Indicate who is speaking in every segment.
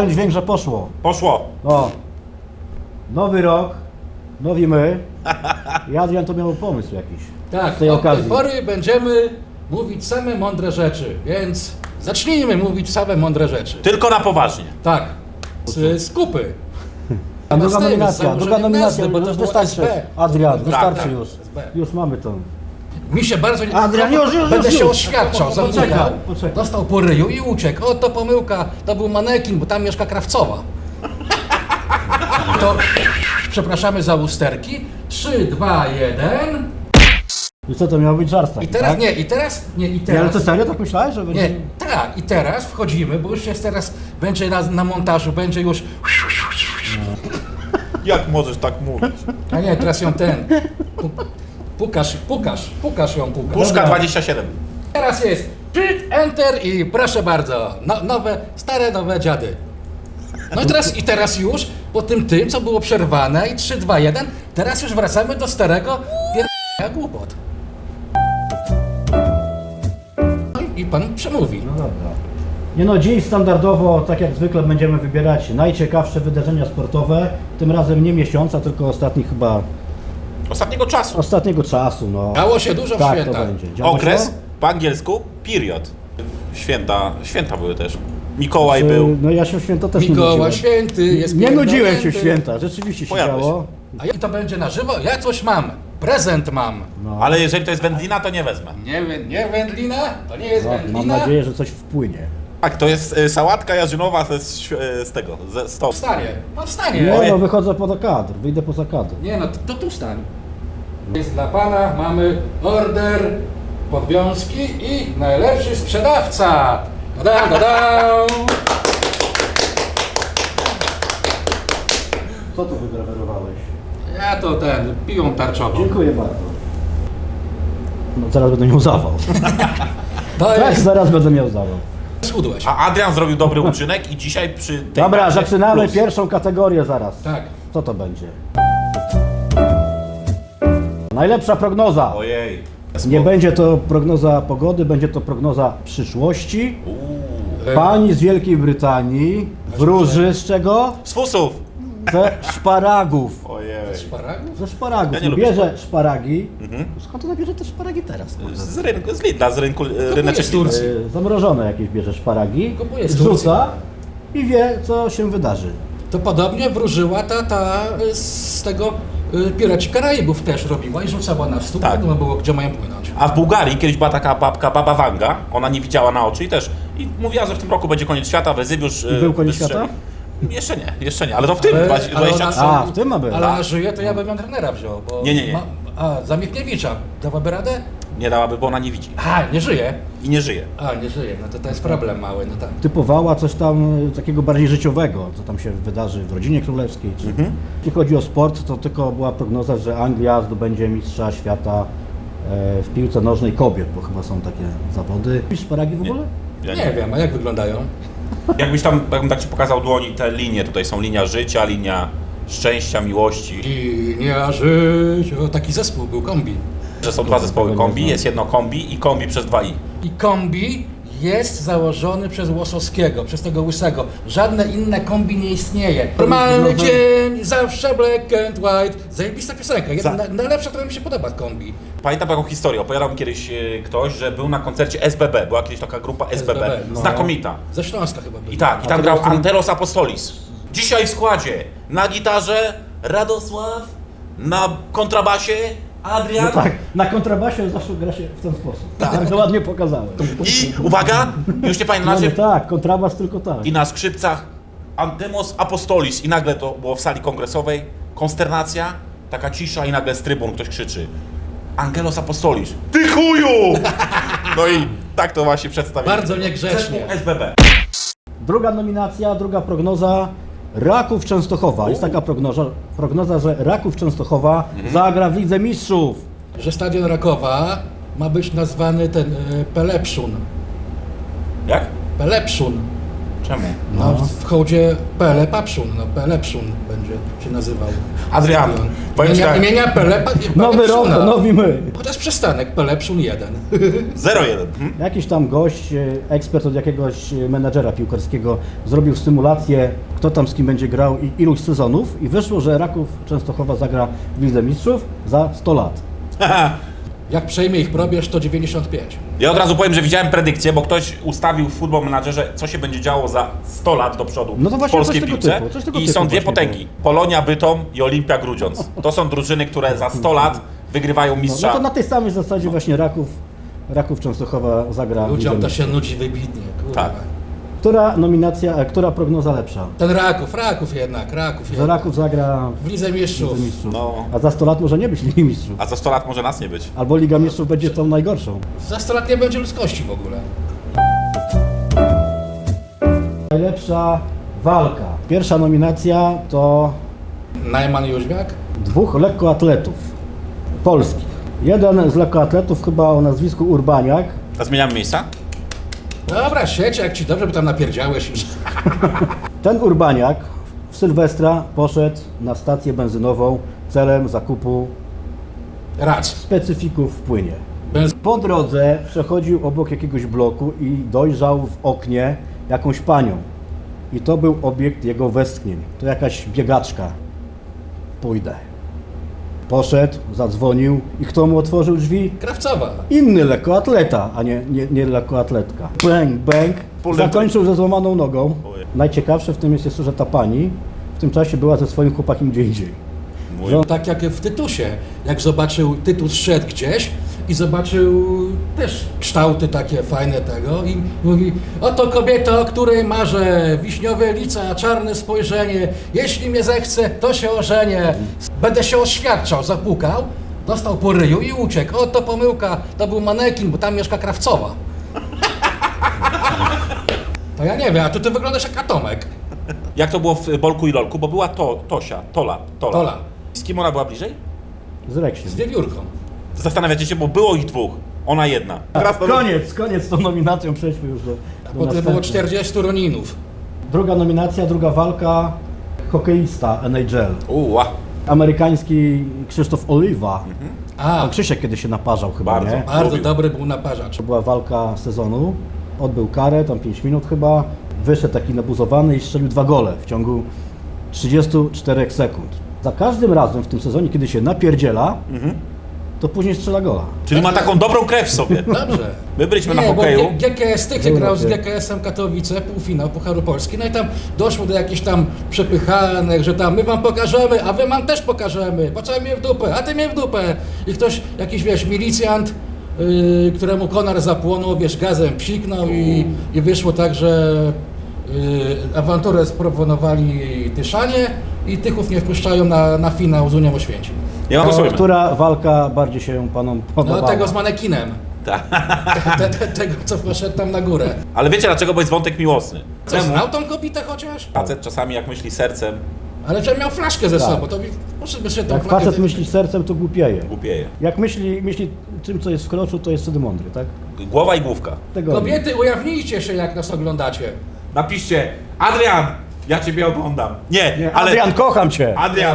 Speaker 1: dałem dźwięk, że poszło.
Speaker 2: Poszło.
Speaker 1: O. Nowy rok, nowi my. I Adrian to miał pomysł jakiś.
Speaker 3: Tak,
Speaker 1: z tej
Speaker 3: od tej
Speaker 1: okazji.
Speaker 3: pory będziemy mówić same mądre rzeczy, więc zacznijmy mówić same mądre rzeczy.
Speaker 2: Tylko na poważnie.
Speaker 3: Tak, z kupy.
Speaker 1: A druga
Speaker 3: Z tym, z
Speaker 1: nominacja,
Speaker 3: założeniem
Speaker 1: druga nominacja,
Speaker 3: nazwy, bo to
Speaker 1: już
Speaker 3: było
Speaker 1: wystarczy.
Speaker 3: SB.
Speaker 1: Adrian,
Speaker 3: Tak,
Speaker 1: wystarczy
Speaker 2: tak.
Speaker 1: już.
Speaker 3: SB.
Speaker 1: Już mamy to.
Speaker 3: Mi się bardzo nie...
Speaker 1: Adrian, już,
Speaker 3: Będę
Speaker 1: już,
Speaker 3: się
Speaker 1: już.
Speaker 3: oświadczał,
Speaker 1: Poczekaj,
Speaker 3: zamykał.
Speaker 1: poczekaj.
Speaker 3: Dostał po ryju i uciekł. O, to pomyłka, to był manekin, bo tam mieszka Krawcowa. To przepraszamy za usterki. 3, 2, 1.
Speaker 1: I co to miał być żart taki,
Speaker 3: I teraz,
Speaker 1: tak?
Speaker 3: nie, i teraz, nie, i
Speaker 1: Nie,
Speaker 3: teraz.
Speaker 1: ale to serio tak myślałeś, że będzie...
Speaker 3: Nie, tak, i teraz wchodzimy, bo już jest teraz, będzie na montażu, będzie już...
Speaker 2: Jak możesz tak mówić?
Speaker 3: A nie, teraz ją ten... Pukasz ją, pukasz.
Speaker 2: Puszka 27.
Speaker 3: Teraz jest Shift, Enter i proszę bardzo, nowe, stare, nowe dziady. No i teraz już, po tym, co było przerwane i 3, 2, 1, teraz już wracamy do starego głupot. No i pan przemówi.
Speaker 1: No dobra. Nie no, dziś standardowo, tak jak zwykle, będziemy wybierać najciekawsze wydarzenia sportowe. Tym razem nie miesiąca, tylko ostatnich chyba...
Speaker 2: Ostatniego czasu.
Speaker 1: Ostatniego czasu, no.
Speaker 3: Działo się dużo w
Speaker 1: Tak,
Speaker 3: święta.
Speaker 1: to będzie. Działo
Speaker 2: Okres,
Speaker 1: się?
Speaker 2: po angielsku, period. Święta były też. Mikołaj był.
Speaker 1: No ja się w święta też nie
Speaker 3: Mikołaj
Speaker 1: nudziłem.
Speaker 3: święty jest
Speaker 1: Nie nudziłem się w
Speaker 3: pierdolnięty.
Speaker 1: święta, rzeczywiście się
Speaker 2: Pojawił
Speaker 1: działo.
Speaker 3: A i to będzie na żywo? Ja coś mam. Prezent mam.
Speaker 1: No.
Speaker 2: Ale jeżeli to jest wędlina, to nie wezmę.
Speaker 3: Nie wędlina? To nie jest
Speaker 1: No, mam
Speaker 3: wędlina.
Speaker 1: nadzieję, że coś wpłynie.
Speaker 2: Tak, to jest sałatka jarzynowa z tego, ze stołu.
Speaker 3: Wstanie. Pan wstanie.
Speaker 1: Nie no, wychodzę poza kadr, wyjdę poza kadr.
Speaker 3: Nie no, to tu stań. Jest dla pana, mamy order, podwiązki i najlepszy sprzedawca. Da-dam, da-dam.
Speaker 1: Co tu wygrawerowałeś?
Speaker 3: Ja to piłą tarczową.
Speaker 1: Dziękuję bardzo. No zaraz będę miał zawał.
Speaker 3: To
Speaker 1: Tak,
Speaker 3: jest,
Speaker 1: zaraz będę miał zawał.
Speaker 3: schudłeś.
Speaker 2: A Adrian zrobił dobry uczynek i dzisiaj przy tej
Speaker 1: Dobra,
Speaker 2: macie
Speaker 1: zaczynamy
Speaker 2: plus.
Speaker 1: pierwszą kategorię zaraz.
Speaker 3: Tak.
Speaker 1: Co to będzie? Najlepsza prognoza.
Speaker 2: Ojej.
Speaker 1: Nie będzie to prognoza pogody, będzie to prognoza przyszłości.
Speaker 2: Uuu.
Speaker 1: Pani z Wielkiej Brytanii wróży z czego?
Speaker 2: Z fusów.
Speaker 1: Ze szparagów.
Speaker 2: Ojej.
Speaker 3: Szparagów?
Speaker 1: Ze szparagów.
Speaker 2: Ja nie lubię
Speaker 1: Bierze szparagi.
Speaker 2: Mhm.
Speaker 1: Skąd ona bierze te szparagi teraz?
Speaker 2: Z rynku, z Lidla, z rynku ryneczek
Speaker 3: z Turcji.
Speaker 1: Zamrożone jakieś bierze szparagi.
Speaker 3: Kupuje z
Speaker 1: Rzuca i wie, co się wydarzy.
Speaker 3: To podobnie wróżyła ta z tego Piraci Karaibów też robiła i rzucała na stół,
Speaker 2: Tak.
Speaker 3: no było gdzie mają płynąć.
Speaker 2: A w Bułgarii kiedyś była taka babka, baba Wanga, ona nie widziała na oczy i też i mówiła, że w tym roku będzie koniec świata, Wezywiusz
Speaker 1: I był koniec
Speaker 2: wystrzeli.
Speaker 1: świata?
Speaker 2: Jeszcze nie, ale to w tym
Speaker 3: Ale
Speaker 2: 23.
Speaker 1: A, w tym ma być.
Speaker 3: Ale ona żyje, to ja bym ją trenera wziął, bo...
Speaker 2: Nie.
Speaker 3: Za Michniewicza dałaby radę?
Speaker 2: Nie dałaby, bo ona nie widzi
Speaker 3: A, nie żyje.
Speaker 2: i nie żyje.
Speaker 3: A, nie żyje, no to jest problem mały, no tak.
Speaker 1: Typowała coś tam takiego bardziej życiowego, co tam się wydarzy w rodzinie królewskiej. Czy... Jeśli chodzi o sport, to tylko była prognoza, że Anglia zdobędzie mistrza świata w piłce nożnej kobiet, bo chyba są takie zawody. Lubisz szparagi w ogóle?
Speaker 2: Ja
Speaker 3: Nie wiem, a jak wyglądają?
Speaker 2: Jakbym tak ci pokazał dłoni, te linie, tutaj są linia życia, linia szczęścia, miłości.
Speaker 3: Linia życia, taki zespół był, kombi.
Speaker 2: Że są dwa zespoły kombi, jest jedno kombi i kombi przez 2i.
Speaker 3: I kombi jest założony przez Łosowskiego, przez tego Łysego. Żadne inne kombi nie istnieje. Normalny dzień, zawsze black and white. Zajebista piosenka, najlepsza, która mi się podoba kombi.
Speaker 2: Pamiętam taką historię, opowiadał mi kiedyś ktoś, że był na koncercie SBB, była kiedyś taka grupa SBB,
Speaker 3: no.
Speaker 2: znakomita.
Speaker 3: Ze Śląska chyba był.
Speaker 2: I tak, i tam
Speaker 1: to
Speaker 2: grał
Speaker 1: był ten-
Speaker 2: Antelos Apostolis. Dzisiaj w składzie na gitarze Radosław, na kontrabasie Adrian
Speaker 1: No tak, na kontrabasie zawsze gra się w ten sposób. Tak, to ładnie pokazałem.
Speaker 2: i, uwaga, już nie pamiętam
Speaker 1: No,
Speaker 2: nazwy,
Speaker 1: tak, kontrabas tylko tak.
Speaker 2: i na skrzypcach Antemos Apostolis. I nagle to było w sali kongresowej, konsternacja, taka cisza i nagle z trybun ktoś krzyczy Angelos Apostolis, ty chuju! No i tak to właśnie przedstawiłem.
Speaker 3: Bardzo niegrzecznie.
Speaker 2: SBB.
Speaker 1: Druga nominacja, druga prognoza. Raków Częstochowa. Jest taka prognoza, że Raków Częstochowa zagra w Lidze Mistrzów.
Speaker 3: Że stadion Rakowa ma być nazwany ten Pelepszun.
Speaker 2: Jak?
Speaker 3: Pelepszun.
Speaker 2: Czemu?
Speaker 3: No, w hołdzie Pele Papszun, no Pele Pszun będzie się nazywał.
Speaker 2: Adrian, powiem ci tak,
Speaker 3: Imienia Pele
Speaker 1: Nowy rok, to nowi my.
Speaker 3: Chociaż przystanek Pele Pszun 1.
Speaker 2: 0-1.
Speaker 1: Jakiś tam gość, ekspert od jakiegoś menadżera piłkarskiego zrobił symulację, kto tam z kim będzie grał i iluś sezonów i wyszło, że Raków Częstochowa zagra w Lidze Mistrzów za 100 lat.
Speaker 3: Jak przejmie ich probierz, to 95.
Speaker 2: Ja od razu powiem, że widziałem predykcję, bo ktoś ustawił w Football Managerze, co się będzie działo za 100 lat do przodu
Speaker 1: No to
Speaker 2: w
Speaker 1: właśnie
Speaker 2: polskiej
Speaker 1: coś tego
Speaker 2: piłce.
Speaker 1: typu, coś tego
Speaker 2: I
Speaker 1: typu
Speaker 2: są dwie
Speaker 1: właśnie
Speaker 2: potęgi. Polonia Bytom i Olimpia Grudziądz. To są drużyny, które za 100 lat wygrywają
Speaker 1: No
Speaker 2: mistrza.
Speaker 1: to na tej samej zasadzie właśnie Raków Częstochowa zagra w Lidze
Speaker 3: Ludziom to
Speaker 1: Mistrzów.
Speaker 3: się nudzi wybitnie. Kurwa.
Speaker 2: Tak.
Speaker 1: Która nominacja, która prognoza lepsza?
Speaker 3: Ten Raków jednak.
Speaker 1: Że Raków zagra
Speaker 3: W Lidze
Speaker 1: w
Speaker 3: Mistrzów.
Speaker 1: Lidze Mistrzów.
Speaker 2: No.
Speaker 1: A za 100 lat może nie być Ligi Mistrzów.
Speaker 2: A za 100 lat może nas nie być.
Speaker 1: Albo Liga Mistrzów będzie tą najgorszą.
Speaker 3: Za 100 lat nie będzie ludzkości w ogóle.
Speaker 1: Najlepsza walka. Pierwsza nominacja to
Speaker 3: Najman Jóźwiak?
Speaker 1: 2 lekkoatletów polskich. Jeden z lekkoatletów chyba o nazwisku Urbaniak.
Speaker 2: A zmieniamy miejsca?
Speaker 3: Dobra, sieć, jak ci dobrze by tam napierdziałeś już.
Speaker 1: Ten Urbaniak w Sylwestra poszedł na stację benzynową celem zakupu
Speaker 3: Racz.
Speaker 1: specyfików w płynie.
Speaker 3: Benz...
Speaker 1: Po drodze przechodził obok jakiegoś bloku i dojrzał w oknie jakąś panią. I to był obiekt jego westchnień. To jakaś biegaczka. Pójdę. Poszedł, zadzwonił i kto mu otworzył drzwi?
Speaker 3: Krawcowa.
Speaker 1: Inny lekkoatleta, a nie lekkoatletka. Bang, bang. Zakończył ze złamaną nogą.
Speaker 2: Ojej.
Speaker 1: Najciekawsze w tym jest jeszcze, że ta pani w tym czasie była ze swoim chłopakiem gdzie indziej.
Speaker 2: Mój.
Speaker 3: Tak jak w Tytusie. Jak zobaczył, Tytus szedł gdzieś i zobaczył też kształty takie fajne tego i mówi: oto kobieta, o której marzę, wiśniowe lica, czarne spojrzenie, jeśli mnie zechce, to się ożenię, będę się oświadczał, zapukał, dostał po ryju i uciekł. O, to pomyłka, to był manekin, bo tam mieszka Krawcowa. To ja nie wiem, a tu ty wyglądasz jak Atomek.
Speaker 2: Jak to było w Bolku i Lolku? Bo była Tola.
Speaker 3: Tola.
Speaker 2: Z kim ona była bliżej?
Speaker 1: Z Reksiem.
Speaker 3: Z wiewiórką.
Speaker 2: Zastanawiacie się, bo było ich dwóch. Ona jedna.
Speaker 1: Koniec z tą nominacją, przejdźmy już do
Speaker 3: Potem było
Speaker 1: następnej.
Speaker 3: 40 Roninów.
Speaker 1: Druga nominacja, druga walka, hokeista NHL.
Speaker 2: Uła.
Speaker 1: Amerykański Krzysztof Oliwa.
Speaker 3: A,
Speaker 1: Pan Krzysiek kiedy się naparzał chyba,
Speaker 2: Bardzo.
Speaker 1: nie?
Speaker 3: bardzo
Speaker 2: lubił.
Speaker 3: dobry był naparzacz.
Speaker 1: To była walka sezonu. Odbył karę, tam 5 minut chyba. Wyszedł taki nabuzowany i strzelił 2 gole w ciągu 34 sekund. Za każdym razem w tym sezonie, kiedy się napierdziela, to później strzela gola.
Speaker 2: Czyli ma taką dobrą krew w sobie.
Speaker 3: Dobrze.
Speaker 2: My byliśmy na
Speaker 3: Nie, bo
Speaker 2: hokeju.
Speaker 3: GKS Tychy
Speaker 1: Był
Speaker 3: grał z
Speaker 1: na tym.
Speaker 3: GKS-em Katowice, półfinał Pucharu Polski, no i tam doszło do jakichś tam przepychanek, że tam my wam pokażemy, a wy nam też pokażemy, patrzaj mnie w dupę, a ty mnie w dupę. I ktoś, jakiś wiesz, milicjant, któremu konar zapłonął, wiesz, gazem psiknął i wyszło tak, że awanturę sproponowali Tyszanie i Tychów nie wpuszczają na finał z Unią Oświęcim.
Speaker 2: Nie ma głosujmy.
Speaker 1: Która walka bardziej się panom podobała?
Speaker 3: No tego z manekinem.
Speaker 2: Tak.
Speaker 3: Tego, co poszedł tam na górę.
Speaker 2: Ale wiecie dlaczego? Bo jest wątek miłosny.
Speaker 3: Co, znał tą kobietę chociaż?
Speaker 2: Facet czasami jak myśli sercem,
Speaker 3: Ale że miał flaszkę ze
Speaker 1: Tak.
Speaker 3: sobą, to poszedłby się tą
Speaker 1: Jak
Speaker 3: flaszkę...
Speaker 1: facet myśli sercem, to głupieje.
Speaker 2: głupieje.
Speaker 1: Jak myśli tym, co jest w kroczu, to jest wtedy mądry, tak?
Speaker 2: Głowa i główka.
Speaker 1: Tego
Speaker 3: Kobiety, ujawnijcie się, jak nas oglądacie.
Speaker 2: Napiszcie: Adrian, ja ciebie oglądam. Nie, ale...
Speaker 1: Adrian, kocham cię!
Speaker 2: Adrian,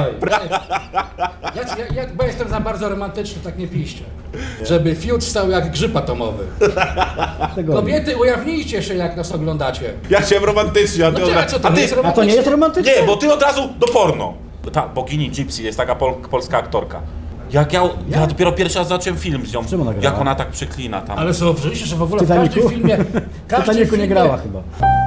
Speaker 3: Bo jestem za bardzo romantyczny, tak nie piszcie. Żeby fiut stał jak grzyb atomowy.
Speaker 1: Tego
Speaker 3: Kobiety, ujawnijcie się, jak nas oglądacie.
Speaker 2: ja chciałem romantycznie, a ty...
Speaker 3: No co to
Speaker 2: a
Speaker 3: nie
Speaker 2: ty...
Speaker 3: jest
Speaker 1: A to nie
Speaker 3: romantyczne?
Speaker 1: jest romantyczne?
Speaker 2: Nie, bo ty od razu do porno. Ta bogini Gypsy jest taka polska aktorka. Jak ja dopiero pierwszy raz zobaczyłem film z nią,
Speaker 1: czym ona grała?
Speaker 2: jak ona tak przeklina tam.
Speaker 3: Ale zauważyliście, że w ogóle w
Speaker 1: Titanicu?
Speaker 3: każdym filmie...
Speaker 1: W Titanicu nie grała chyba.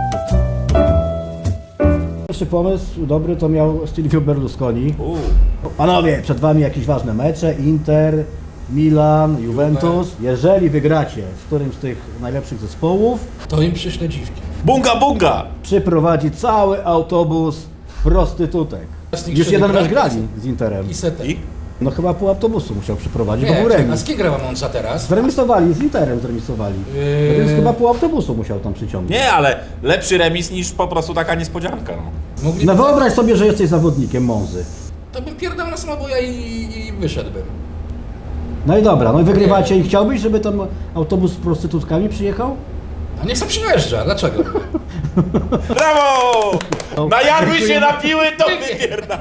Speaker 1: Pierwszy pomysł dobry to miał Silvio Berlusconi. Panowie, przed wami jakieś ważne mecze, Inter, Milan, Juventus. Jeżeli wygracie z którymś z tych najlepszych zespołów,
Speaker 3: To im przyślę dziwki.
Speaker 2: Bunga, bunga!
Speaker 1: przyprowadzi cały autobus prostytutek.
Speaker 3: Z nich
Speaker 1: Już
Speaker 3: się
Speaker 1: jeden
Speaker 3: wybrać?
Speaker 1: mecz grali z Interem.
Speaker 3: I setek.
Speaker 2: I?
Speaker 1: No chyba pół autobusu musiał przyprowadzić, bo
Speaker 3: Nie,
Speaker 1: był
Speaker 3: a
Speaker 1: remis.
Speaker 3: z kim grała Monza teraz?
Speaker 1: Zremisowali, z Interem zremisowali. Więc chyba pół autobusu musiał tam przyciągnąć.
Speaker 2: Nie, ale lepszy remis niż po prostu taka niespodzianka. No.
Speaker 3: Mogli...
Speaker 1: No wyobraź sobie, że jesteś zawodnikiem Monzy.
Speaker 3: To bym pierdał na samobuja i wyszedłbym.
Speaker 1: No i dobra, no i wygrywacie i chciałbyś, żeby tam autobus z prostytutkami przyjechał?
Speaker 3: A niech sobie przyjeżdża, dlaczego?
Speaker 2: Brawo! Najadły się
Speaker 1: Dziękujemy.
Speaker 2: napiły, to wypierdam.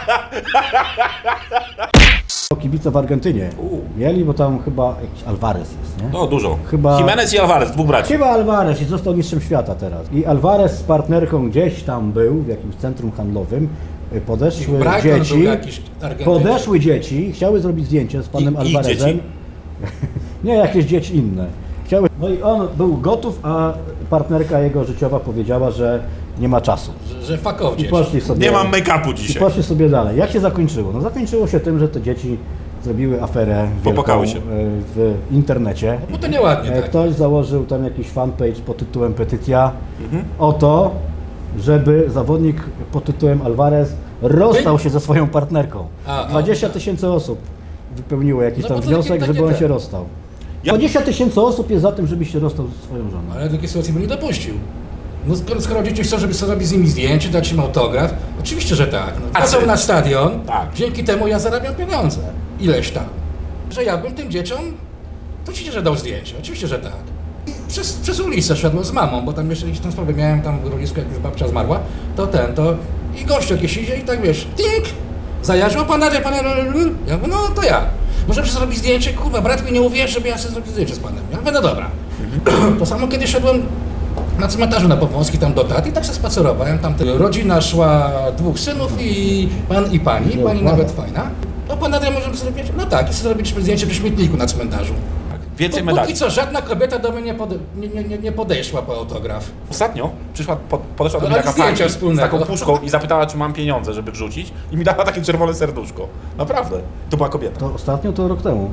Speaker 1: Kibice w Argentynie mieli, bo tam chyba jakiś Alvarez jest, nie?
Speaker 2: No dużo.
Speaker 1: Chyba-
Speaker 2: Jimenez i Alvarez, dwóch braci.
Speaker 1: Chyba Alvarez i został mistrzem świata teraz. I Alvarez z partnerką gdzieś tam był, w jakimś centrum handlowym. Podeszły
Speaker 3: Brighton
Speaker 1: dzieci,
Speaker 3: był jakiś Argentyńczyk.
Speaker 1: podeszły dzieci, chciały zrobić zdjęcie z panem
Speaker 2: Ich
Speaker 1: Alvarezem.
Speaker 2: dzieci?
Speaker 1: Nie, jakieś dzieci inne. Chciały, no i on był gotów, a partnerka jego życiowa powiedziała, że nie ma czasu.
Speaker 3: Że fuck off
Speaker 1: I
Speaker 3: dzieci.
Speaker 1: poszli sobie,
Speaker 2: Nie mam make-upu
Speaker 1: i
Speaker 2: dzisiaj.
Speaker 1: poszli sobie dalej. Jak się zakończyło? No zakończyło się tym, że te dzieci zrobiły aferę wielką
Speaker 2: Popłakały się.
Speaker 1: w internecie.
Speaker 3: No to nieładnie, tak.
Speaker 1: Ktoś założył tam jakiś fanpage pod tytułem petycja o to, żeby zawodnik pod tytułem Alvarez rozstał się ze swoją partnerką. 20 000 osób wypełniło jakiś
Speaker 3: No
Speaker 1: tam
Speaker 3: bo to
Speaker 1: wniosek,
Speaker 3: takie
Speaker 1: żeby on
Speaker 3: te.
Speaker 1: się rozstał.
Speaker 2: Ja-
Speaker 1: 20 000 osób jest za tym, żebyś się rozstał ze swoją żoną.
Speaker 3: Ale takiej sytuacji bym nie dopuścił. No skoro dzieci chcą, żeby sobie zrobić z nimi zdjęcie, dać im autograf, oczywiście, że tak. No, wchodzą na stadion,
Speaker 2: Tak.
Speaker 3: dzięki temu ja zarabiam pieniądze. Ileś tam. Że ja bym tym dzieciom, to oczywiście, że dał zdjęcie, oczywiście, że tak. Przez ulicę szedłem z mamą, bo tam jeszcze gdzieś tam sprawę miałem, tam w rodzicku, jak już babcia zmarła, to i gościu jakiś idzie i tak wiesz, tink, zajarzył, pan, ja mówię, no to ja. Możemy sobie zrobić zdjęcie, kurwa, brat mi nie uwierzy, żeby ja sobie zrobił zdjęcie z panem. Ja mówię, no dobra. To samo kiedy szedłem na cmentarzu na Powązki, tam do taty i tak się spacerowałem, tam rodzina szła, dwóch synów i pan i pani nawet fajna. No pan Adrian, możemy sobie zrobić? No tak, i sobie zrobiliśmy zdjęcie przy śmietniku na cmentarzu.
Speaker 2: Więcej
Speaker 3: Póki
Speaker 2: medali.
Speaker 3: co żadna kobieta do mnie nie podeszła po autograf.
Speaker 2: Ostatnio podeszła do
Speaker 3: Ale
Speaker 2: mnie taka
Speaker 3: zdjęcia
Speaker 2: pani z
Speaker 3: wspólnego.
Speaker 2: taką puszką i zapytała, czy mam pieniądze, żeby wrzucić i mi dała takie czerwone serduszko. Naprawdę. To była kobieta.
Speaker 1: To ostatnio to rok temu.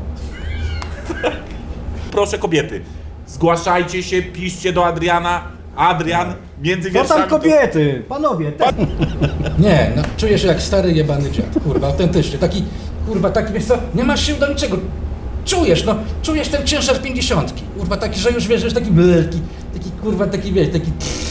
Speaker 2: Proszę kobiety, zgłaszajcie się, piszcie do Adriana. Adrian, między
Speaker 1: Co
Speaker 2: wierszami...
Speaker 1: tam kobiety? Panowie,
Speaker 3: Nie, no czuję się jak stary jebany dziad, kurwa, autentycznie. Taki, kurwa, taki, wiesz co, nie masz sił do niczego. Czujesz ten ciężar 50. Kurwa, taki, że już wiesz, że jest taki kurwa, taki wiesz, taki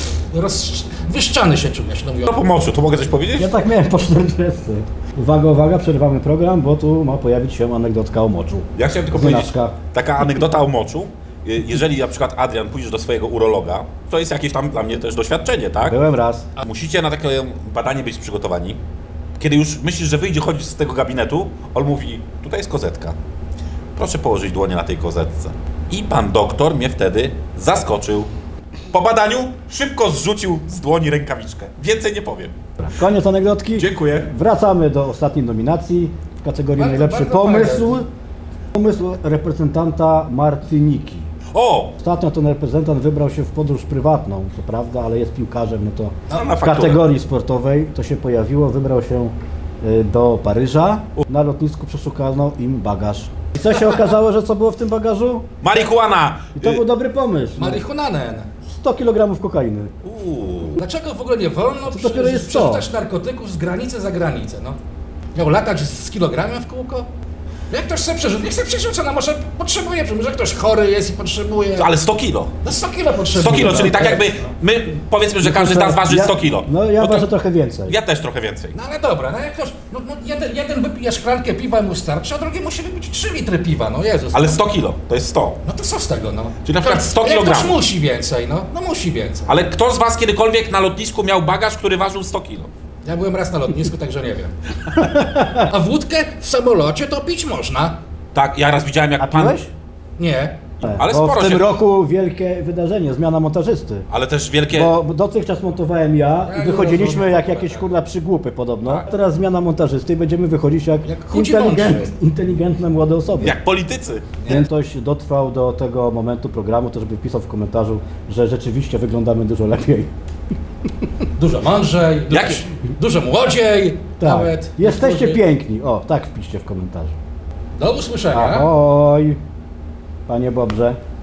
Speaker 3: wyszczany się czujesz, no mówię.
Speaker 2: No po moczu, to mogę coś powiedzieć?
Speaker 1: ja tak miałem po 40. Uwaga, uwaga, przerywamy program, bo tu ma pojawić się anegdotka o moczu.
Speaker 2: Ja chciałem tylko
Speaker 1: Znaczka.
Speaker 2: powiedzieć, taka anegdota o moczu. Jeżeli na przykład Adrian pójdziesz do swojego urologa, to jest jakieś tam dla mnie też doświadczenie, tak?
Speaker 1: Byłem raz.
Speaker 2: Musicie na takie badanie być przygotowani. Kiedy już myślisz, że wyjdzie chodzić z tego gabinetu, on mówi, tutaj jest kozetka. Proszę położyć dłonie na tej kozetce. I pan doktor mnie wtedy zaskoczył. Po badaniu szybko zrzucił z dłoni rękawiczkę. Więcej nie powiem.
Speaker 1: Koniec anegdotki.
Speaker 2: Dziękuję.
Speaker 1: Wracamy do ostatniej nominacji w kategorii
Speaker 3: Bardzo,
Speaker 1: najlepszy
Speaker 3: bardzo
Speaker 1: pomysł.
Speaker 3: fajne.
Speaker 1: Pomysł reprezentanta Martyniki.
Speaker 2: O!
Speaker 1: Ostatnio ten reprezentant wybrał się w podróż prywatną, co prawda, ale jest piłkarzem, no to
Speaker 2: No, na
Speaker 1: w
Speaker 2: fakturę.
Speaker 1: kategorii sportowej to się pojawiło. Wybrał się do Paryża. Na lotnisku przeszukano im bagaż. I co się okazało, że co było w tym bagażu?
Speaker 2: Marihuana!
Speaker 1: I to był dobry pomysł.
Speaker 3: Marihunanen.
Speaker 1: 100 kg kokainy.
Speaker 3: Dlaczego w ogóle nie wolno
Speaker 1: dopiero jest to.
Speaker 3: przerzucać narkotyków z granicy za granicę, no? Miał latać z kilogramem w kółko? Jak ktoś chce przerzucić, niech chce przerzuca, no może potrzebuje, może ktoś chory jest i potrzebuje.
Speaker 2: Ale 100 kilo.
Speaker 3: No 100 kilo potrzebuje.
Speaker 2: 100 kilo,
Speaker 3: no.
Speaker 2: czyli tak jakby my powiedzmy, że każdy z nas waży 100 kilo.
Speaker 1: No ja
Speaker 2: No to
Speaker 1: ważę trochę więcej.
Speaker 2: ja też trochę więcej.
Speaker 3: No ale dobra, no jak ktoś, jeden wypije szklankę piwa i mu starczy, a drugi musi wypić 3 litry piwa, no Jezus.
Speaker 2: Ale 100 kilo, to jest 100.
Speaker 3: No to co z tego, no?
Speaker 2: Czyli na przykład 100
Speaker 3: Jak
Speaker 2: kilogramów.
Speaker 3: ktoś musi więcej, no musi więcej.
Speaker 2: Ale kto z was kiedykolwiek na lotnisku miał bagaż, który ważył 100 kilo?
Speaker 3: Ja byłem raz na lotnisku, także nie wiem. A wódkę w samolocie to pić można.
Speaker 2: Tak, ja raz widziałem
Speaker 1: A
Speaker 2: jak pan...
Speaker 1: piłeś?
Speaker 3: Nie.
Speaker 2: Ale
Speaker 1: bo
Speaker 2: sporo
Speaker 1: w tym
Speaker 2: się-
Speaker 1: roku wielkie wydarzenie, zmiana montażysty.
Speaker 2: Ale też wielkie...
Speaker 1: Bo dotychczas montowałem ja i
Speaker 3: Ja
Speaker 1: wychodziliśmy
Speaker 3: rozumiem.
Speaker 1: jak jakieś kurwa przygłupy podobno. Teraz zmiana montażysty i będziemy wychodzić jak
Speaker 3: chudzi mądrzy.
Speaker 1: inteligentne młode osoby.
Speaker 2: Jak politycy.
Speaker 1: Więc ktoś dotrwał do tego momentu programu, to żeby wpisał w komentarzu, że rzeczywiście wyglądamy dużo lepiej.
Speaker 3: Dużo mądrzej,
Speaker 2: Jak-
Speaker 3: dużo młodziej
Speaker 1: Tak.
Speaker 3: nawet.
Speaker 1: Jesteście
Speaker 3: Niektórzy.
Speaker 1: piękni. O, tak wpiszcie w komentarzu.
Speaker 3: Do usłyszenia.
Speaker 1: Ahoj, panie Bobrze.